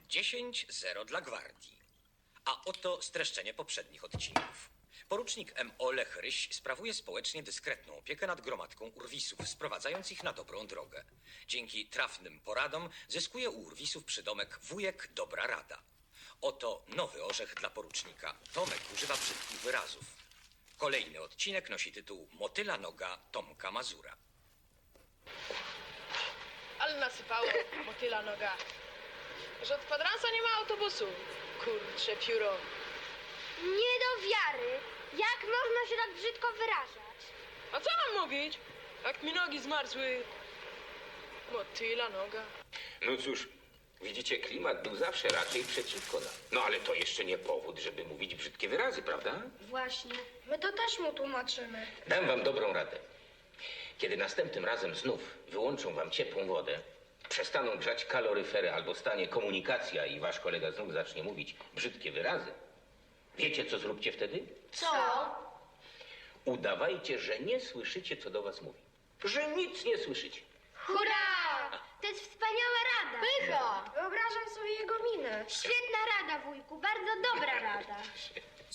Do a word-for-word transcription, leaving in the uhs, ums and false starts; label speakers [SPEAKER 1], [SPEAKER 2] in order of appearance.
[SPEAKER 1] dziesięć zero dla gwardii. A oto streszczenie poprzednich odcinków. Porucznik M O Lech Ryś sprawuje społecznie dyskretną opiekę nad gromadką urwisów, sprowadzając ich na dobrą drogę. Dzięki trafnym poradom zyskuje u urwisów przydomek wujek Dobra Rada. Oto nowy orzech dla porucznika. Tomek używa brzydkich wyrazów. Kolejny odcinek nosi tytuł Motyla noga Tomka Mazura.
[SPEAKER 2] Ale nasypało, motyla noga. Że od kwadransa nie ma autobusu. Kurcze pióro.
[SPEAKER 3] Nie do wiary. Jak można się tak brzydko wyrażać?
[SPEAKER 2] A co mam mówić? Jak mi nogi zmarzły. Motyla noga.
[SPEAKER 4] No cóż, widzicie, klimat był zawsze raczej przeciwko nam. No ale to jeszcze nie powód, żeby mówić brzydkie wyrazy, prawda?
[SPEAKER 3] Właśnie. My to też mu tłumaczymy.
[SPEAKER 4] Dam wam dobrą radę. Kiedy następnym razem znów wyłączą wam ciepłą wodę, przestaną grzać kaloryfery albo stanie komunikacja i wasz kolega znów zacznie mówić brzydkie wyrazy, wiecie, co zróbcie wtedy?
[SPEAKER 3] Co?
[SPEAKER 4] Udawajcie, że nie słyszycie, co do was mówi. Że nic nie słyszycie.
[SPEAKER 3] Hurra! To jest wspaniała rada.
[SPEAKER 2] Pycha!
[SPEAKER 3] Wyobrażam sobie jego minę. Świetna rada, wujku. Bardzo dobra rada.